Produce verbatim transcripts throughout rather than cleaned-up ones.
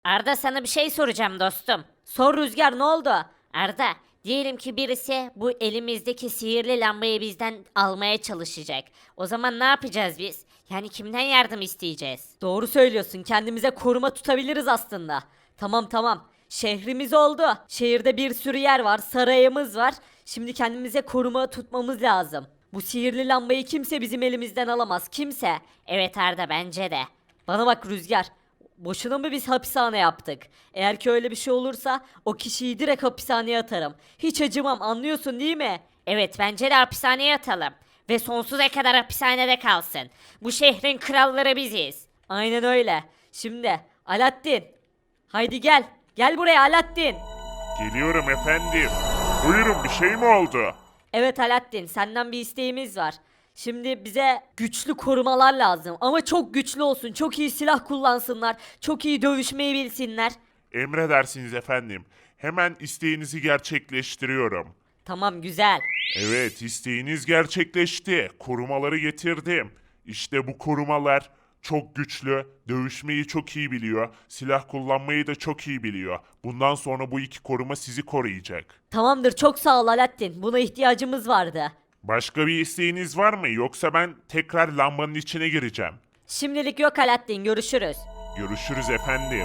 Arda sana bir şey soracağım dostum. Sor Rüzgar ne oldu? Arda, diyelim ki birisi bu elimizdeki sihirli lambayı bizden almaya çalışacak. O zaman ne yapacağız biz? Yani kimden yardım isteyeceğiz? Doğru söylüyorsun. Kendimize koruma tutabiliriz aslında. Tamam tamam. Şehrimiz oldu. Şehirde bir sürü yer var. Sarayımız var. Şimdi kendimize koruma tutmamız lazım. Bu sihirli lambayı kimse bizim elimizden alamaz. Kimse. Evet Arda bence de. Bana bak Rüzgar. Boşuna mı biz hapishane yaptık? Eğer ki öyle bir şey olursa o kişiyi direkt hapishaneye atarım. Hiç acımam anlıyorsun değil mi? Evet bence de hapishaneye atalım. Ve sonsuza kadar hapishanede kalsın. Bu şehrin kralları biziz. Aynen öyle. Şimdi Alaaddin. Haydi gel. Gel buraya Alaaddin. Geliyorum efendim. Buyurun bir şey mi oldu? Evet Alaaddin senden bir isteğimiz var. Şimdi bize güçlü korumalar lazım ama çok güçlü olsun. Çok iyi silah kullansınlar. Çok iyi dövüşmeyi bilsinler. Emredersiniz efendim. Hemen isteğinizi gerçekleştiriyorum. Tamam güzel. Evet, isteğiniz gerçekleşti. Korumaları getirdim. İşte bu korumalar çok güçlü, dövüşmeyi çok iyi biliyor, silah kullanmayı da çok iyi biliyor. Bundan sonra bu iki koruma sizi koruyacak. Tamamdır çok sağ ol Alaaddin. Buna ihtiyacımız vardı. Başka bir isteğiniz var mı? Yoksa ben tekrar lambanın içine gireceğim. Şimdilik yok Alaaddin görüşürüz. Görüşürüz efendim.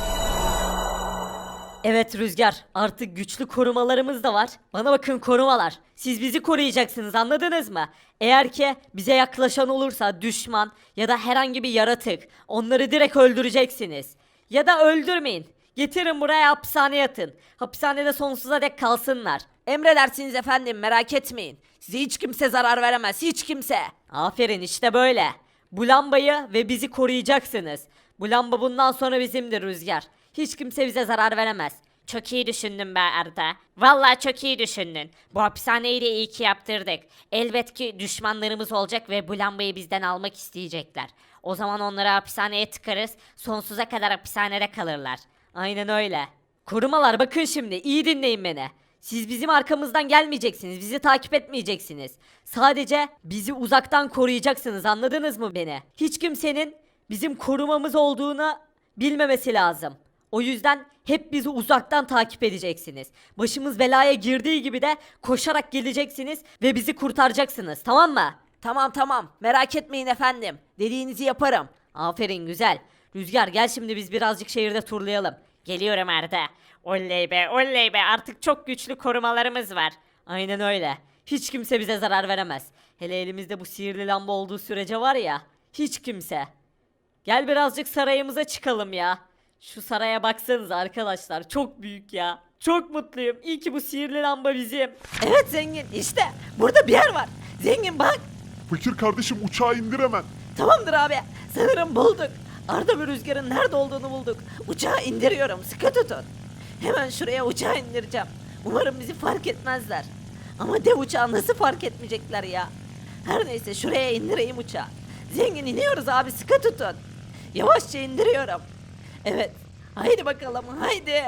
Evet Rüzgar artık güçlü korumalarımız da var. Bana bakın korumalar. Siz bizi koruyacaksınız anladınız mı? Eğer ki bize yaklaşan olursa düşman ya da herhangi bir yaratık onları direkt öldüreceksiniz. Ya da öldürmeyin. Getirin buraya hapishaneye atın. Hapishanede sonsuza dek kalsınlar. Emredersiniz efendim merak etmeyin. Size hiç kimse zarar veremez hiç kimse. Aferin işte böyle. Bu lambayı ve bizi koruyacaksınız. Bu lamba bundan sonra bizimdir Rüzgar. Hiç kimse bize zarar veremez. Çok iyi düşündün be Arda. Vallahi çok iyi düşündün. Bu hapishaneyi de iyi ki yaptırdık. Elbet ki düşmanlarımız olacak ve bu lambayı bizden almak isteyecekler. O zaman onları hapishaneye tıkarız. Sonsuza kadar hapishanede kalırlar. Aynen öyle. Korumalar bakın şimdi iyi dinleyin beni. Siz bizim arkamızdan gelmeyeceksiniz. Bizi takip etmeyeceksiniz. Sadece bizi uzaktan koruyacaksınız. Anladınız mı beni? Hiç kimsenin bizim korumamız olduğunu bilmemesi lazım. O yüzden hep bizi uzaktan takip edeceksiniz. Başımız belaya girdiği gibi de koşarak geleceksiniz ve bizi kurtaracaksınız. Tamam mı? Tamam tamam. Merak etmeyin efendim. Dediğinizi yaparım. Aferin güzel. Rüzgar gel şimdi biz birazcık şehirde turlayalım. Geliyorum Arda. Oley be oley be artık çok güçlü korumalarımız var. Aynen öyle. Hiç kimse bize zarar veremez. Hele elimizde bu sihirli lamba olduğu sürece var ya. Hiç kimse. Gel birazcık sarayımıza çıkalım ya. Şu saraya baksanıza arkadaşlar çok büyük ya. Çok mutluyum. İyi ki bu sihirli lamba bizim. Evet zengin işte burada bir yer var. Zengin bak. Fakir kardeşim uçağı indir hemen. Tamamdır abi. Sanırım bulduk. Arda ve Rüzgar'ın nerede olduğunu bulduk. Uçağı indiriyorum. Sıkı tutun. Hemen şuraya uçağı indireceğim. Umarım bizi fark etmezler. Ama dev uçağı nasıl fark etmeyecekler ya? Her neyse şuraya indireyim uçağı. Zengin iniyoruz abi sıkı tutun. Yavaşça indiriyorum. Evet. Haydi bakalım haydi.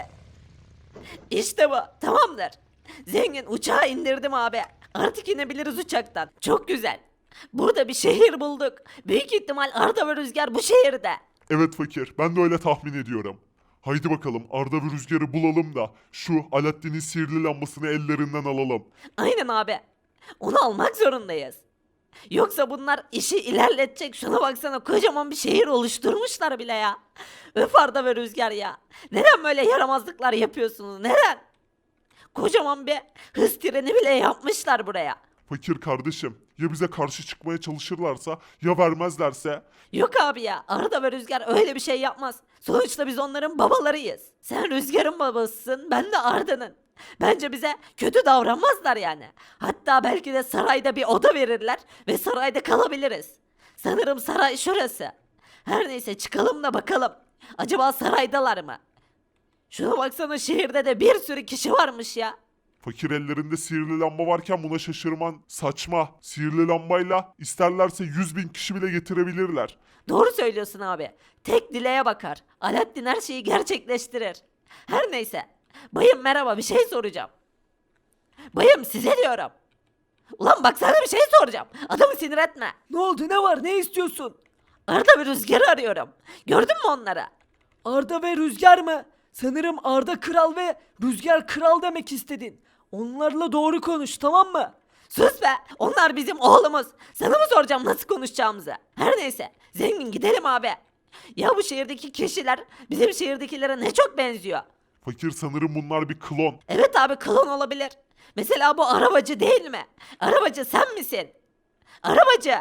İşte bu. Tamamdır. Zengin uçağı indirdim abi. Artık inebiliriz uçaktan. Çok güzel. Burada bir şehir bulduk. Büyük ihtimal Arda ve Rüzgar bu şehirde. Evet fakir, ben de öyle tahmin ediyorum. Haydi bakalım Arda ve Rüzgar'ı bulalım da şu Alaaddin'in sihirli lambasını ellerinden alalım. Aynen abi. Onu almak zorundayız. Yoksa bunlar işi ilerletecek. Şuna baksana kocaman bir şehir oluşturmuşlar bile ya. Öf Arda ve Rüzgar ya. Neden böyle yaramazlıklar yapıyorsunuz? Neden? Kocaman bir hız treni bile yapmışlar buraya. Fakir kardeşim, ya bize karşı çıkmaya çalışırlarsa, ya vermezlerse? Yok abi ya Arda ve Rüzgar öyle bir şey yapmaz. Sonuçta biz onların babalarıyız. Sen Rüzgar'ın babasısın ben de Arda'nın. Bence bize kötü davranmazlar yani. Hatta belki de sarayda bir oda verirler ve sarayda kalabiliriz. Sanırım saray şurası. Her neyse çıkalım da bakalım. Acaba saraydalar mı? Şuna baksana şehirde de bir sürü kişi varmış ya. Fakir ellerinde sihirli lamba varken buna şaşırman saçma. Sihirli lambayla isterlerse yüz bin kişi bile getirebilirler. Doğru söylüyorsun abi. Tek dileğe bakar. Alaaddin her şeyi gerçekleştirir. Her neyse. Bayım merhaba bir şey soracağım. Bayım size diyorum. Ulan bak sana bir şey soracağım. Adamı sinir etme. Ne oldu ne var ne istiyorsun? Arda bir Rüzgar'ı arıyorum. Gördün mü onları? Arda ve Rüzgar mı? Sanırım Arda Kral ve Rüzgar Kral demek istedin. Onlarla doğru konuş, tamam mı? Sus be! Onlar bizim oğlumuz. Sana mı soracağım nasıl konuşacağımızı? Her neyse. Zengin gidelim abi. Ya bu şehirdeki kişiler bizim şehirdekilere ne çok benziyor. Fakir, sanırım bunlar bir klon. Evet abi klon olabilir. Mesela bu arabacı değil mi? Arabacı sen misin? Arabacı.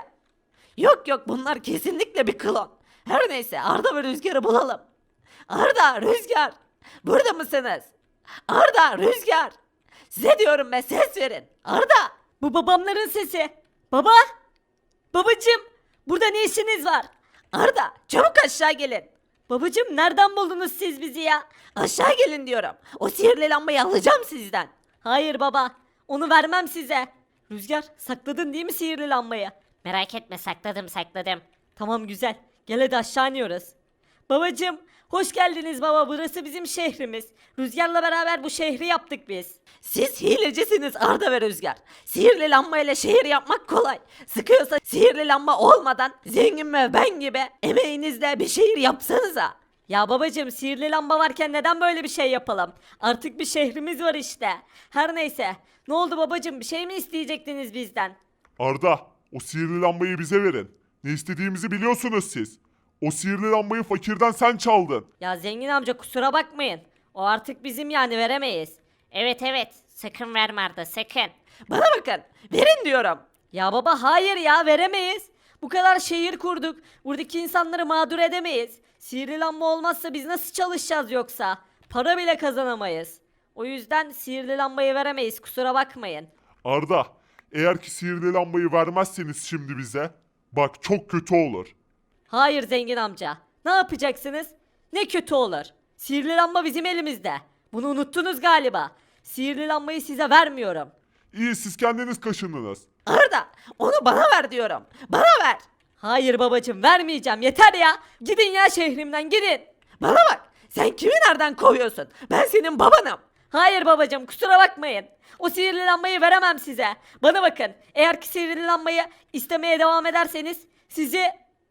Yok yok bunlar kesinlikle bir klon. Her neyse Arda ve Rüzgar'ı bulalım. Arda, Rüzgar. Burada mısınız? Arda, Rüzgar. Size diyorum be ses verin. Arda. Bu babamların sesi. Baba! Babacım! Burada ne işiniz var? Arda çabuk aşağı gelin. Babacım nereden buldunuz siz bizi ya? Aşağı gelin diyorum. O sihirli lambayı alacağım sizden. Hayır baba. Onu vermem size. Rüzgar sakladın değil mi sihirli lambayı? Merak etme, sakladım sakladım. Tamam güzel. Gel hadi aşağı iniyoruz. Babacım hoş geldiniz baba. Burası bizim şehrimiz. Rüzgar'la beraber bu şehri yaptık biz. Siz hilecisiniz Arda ve Rüzgar. Sihirli lambayla şehir yapmak kolay. Sıkıyorsa sihirli lamba olmadan zengin ve ben gibi emeğinizle bir şehir yapsanıza. Ya babacım sihirli lamba varken neden böyle bir şey yapalım? Artık bir şehrimiz var işte. Her neyse. Ne oldu babacım, bir şey mi isteyecektiniz bizden? Arda, o sihirli lambayı bize verin. Ne istediğimizi biliyorsunuz siz. O sihirli lambayı fakirden sen çaldın. Ya zengin amca kusura bakmayın. O artık bizim, yani veremeyiz. Evet evet, sakın verme Arda, sakın. Bana bakın verin diyorum. Ya baba hayır ya, veremeyiz. Bu kadar şehir kurduk. Buradaki insanları mağdur edemeyiz. Sihirli lamba olmazsa biz nasıl çalışacağız yoksa? Para bile kazanamayız. O yüzden sihirli lambayı veremeyiz, kusura bakmayın. Arda, eğer ki sihirli lambayı vermezseniz şimdi bize, bak çok kötü olur. Hayır zengin amca. Ne yapacaksınız? Ne kötü olur. Sihirli lamba bizim elimizde. Bunu unuttunuz galiba. Sihirli lambayı size vermiyorum. İyi, siz kendiniz kaşındınız. Arda onu bana ver diyorum. Bana ver. Hayır babacım, vermeyeceğim, yeter ya. Gidin ya şehrimden, gidin. Bana bak sen kimi nereden kovuyorsun? Ben senin babanım. Hayır babacım, kusura bakmayın. O sihirli lambayı veremem size. Bana bakın, eğer ki sihirli lambayı istemeye devam ederseniz sizi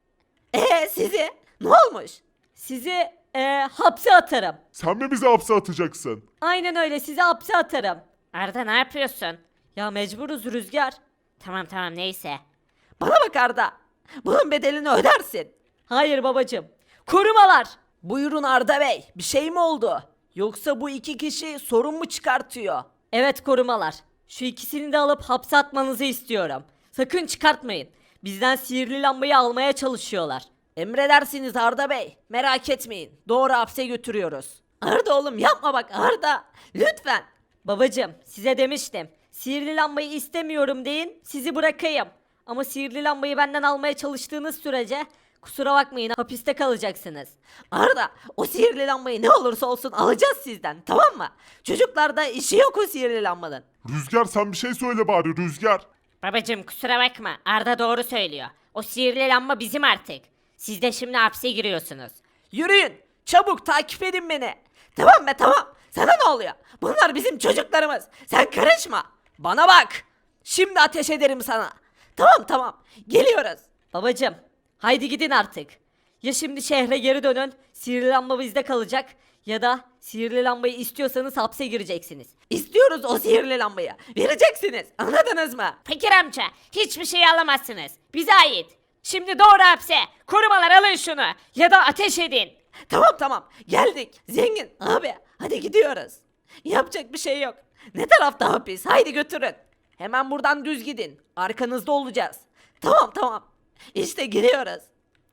Ee sizi ne olmuş? sizi eee, hapse atarım. Sen mi bizi hapse atacaksın? Aynen öyle, sizi hapse atarım. Arda ne yapıyorsun? Ya mecburuz Rüzgar. Tamam tamam, neyse. Bana bak Arda. Bunun bedelini ödersin. Hayır babacım. Korumalar. Buyurun Arda Bey. Bir şey mi oldu? Yoksa bu iki kişi sorun mu çıkartıyor? Evet korumalar. Şu ikisini de alıp hapse atmanızı istiyorum. Sakın çıkartmayın. Bizden sihirli lambayı almaya çalışıyorlar. Emredersiniz Arda Bey. Merak etmeyin. Doğru hapse götürüyoruz. Arda oğlum yapma bak Arda. Lütfen. Babacım size demiştim. Sihirli lambayı istemiyorum deyin, sizi bırakayım. Ama sihirli lambayı benden almaya çalıştığınız sürece kusura bakmayın, hapiste kalacaksınız. Arda o sihirli lambayı ne olursa olsun alacağız sizden, tamam mı? Çocuklarda işi yok o sihirli lambanın. Rüzgar, sen bir şey söyle bari Rüzgar. Babacım kusura bakma, Arda doğru söylüyor. O sihirli lamba bizim artık. Siz de şimdi hapse giriyorsunuz. Yürüyün. Çabuk takip edin beni. Tamam be tamam. Sana ne oluyor? Bunlar bizim çocuklarımız. Sen karışma. Bana bak. Şimdi ateş ederim sana. Tamam tamam. Geliyoruz. Babacım haydi gidin artık. Ya şimdi şehre geri dönün, sihirli lamba bizde kalacak, ya da sihirli lambayı istiyorsanız hapse gireceksiniz. İstiyoruz o sihirli lambayı. Vereceksiniz. Anladınız mı? Fakir amca, hiçbir şey alamazsınız. Bize ait. Şimdi doğru hapse. Korumalar alın şunu. Ya da ateş edin. Tamam tamam. Geldik. Zengin abi. Hadi gidiyoruz. Yapacak bir şey yok. Ne tarafta hapis? Haydi götürün. Hemen buradan düz gidin. Arkanızda olacağız. Tamam tamam. İşte giriyoruz.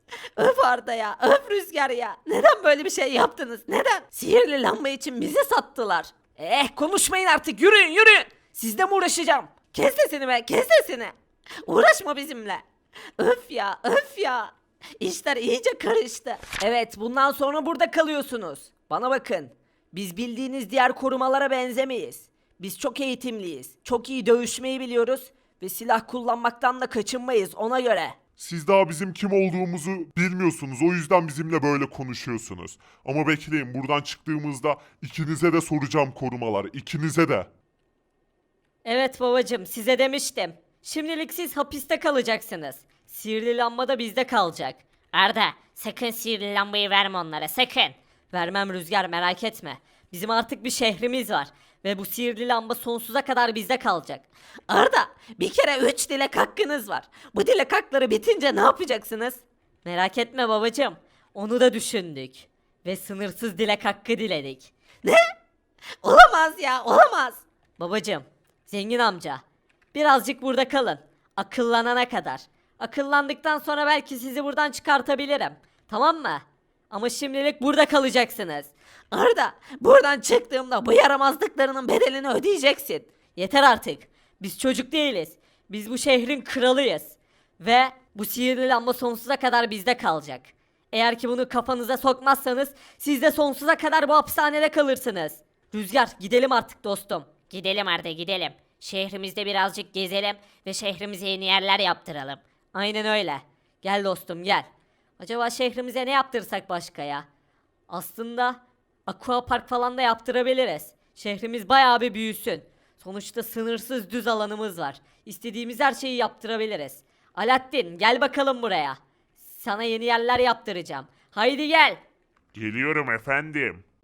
Öf Arda ya, öf Rüzgar ya. Neden böyle bir şey yaptınız? Neden? Sihirli lamba için bizi sattılar. Eh konuşmayın artık, yürüyün yürüyün. Sizle mi uğraşacağım? Kes sesini be, kes sesini. Uğraşma bizimle. Öf ya, öf ya. İşler iyice karıştı. Evet, bundan sonra burada kalıyorsunuz. Bana bakın. Biz bildiğiniz diğer korumalara benzemeyiz. Biz çok eğitimliyiz. Çok iyi dövüşmeyi biliyoruz. Ve silah kullanmaktan da kaçınmayız ona göre. Siz daha bizim kim olduğumuzu bilmiyorsunuz. O yüzden bizimle böyle konuşuyorsunuz. Ama bekleyin, buradan çıktığımızda ikinize de soracağım korumalar. İkinize de. Evet babacım, size demiştim. Şimdilik siz hapiste kalacaksınız. Sihirli lamba da bizde kalacak. Arda, sakın sihirli lambayı verme onlara, sakın. Vermem Rüzgar, merak etme. Bizim artık bir şehrimiz var. Ve bu sihirli lamba sonsuza kadar bizde kalacak. Arda bir kere üç dilek hakkınız var. Bu dilek hakları bitince ne yapacaksınız? Merak etme babacığım. Onu da düşündük. Ve sınırsız dilek hakkı diledik. Ne? Olamaz ya, olamaz. Babacığım, zengin amca. Birazcık burada kalın. Akıllanana kadar. Akıllandıktan sonra belki sizi buradan çıkartabilirim. Tamam mı? Ama şimdilik burada kalacaksınız. Arda buradan çıktığımda bu yaramazlıklarının bedelini ödeyeceksin. Yeter artık. Biz çocuk değiliz. Biz bu şehrin kralıyız. Ve bu sihirli lamba sonsuza kadar bizde kalacak. Eğer ki bunu kafanıza sokmazsanız siz de sonsuza kadar bu hapishanede kalırsınız. Rüzgar, gidelim artık dostum. Gidelim Arda gidelim. Şehrimizde birazcık gezelim ve şehrimize yeni yerler yaptıralım. Aynen öyle. Gel dostum gel. Acaba şehrimize ne yaptırsak başka ya? Aslında aqua park falan da yaptırabiliriz. Şehrimiz bayağı bir büyüsün. Sonuçta sınırsız düz alanımız var. İstediğimiz her şeyi yaptırabiliriz. Alaaddin gel bakalım buraya. Sana yeni yerler yaptıracağım. Haydi gel. Geliyorum efendim.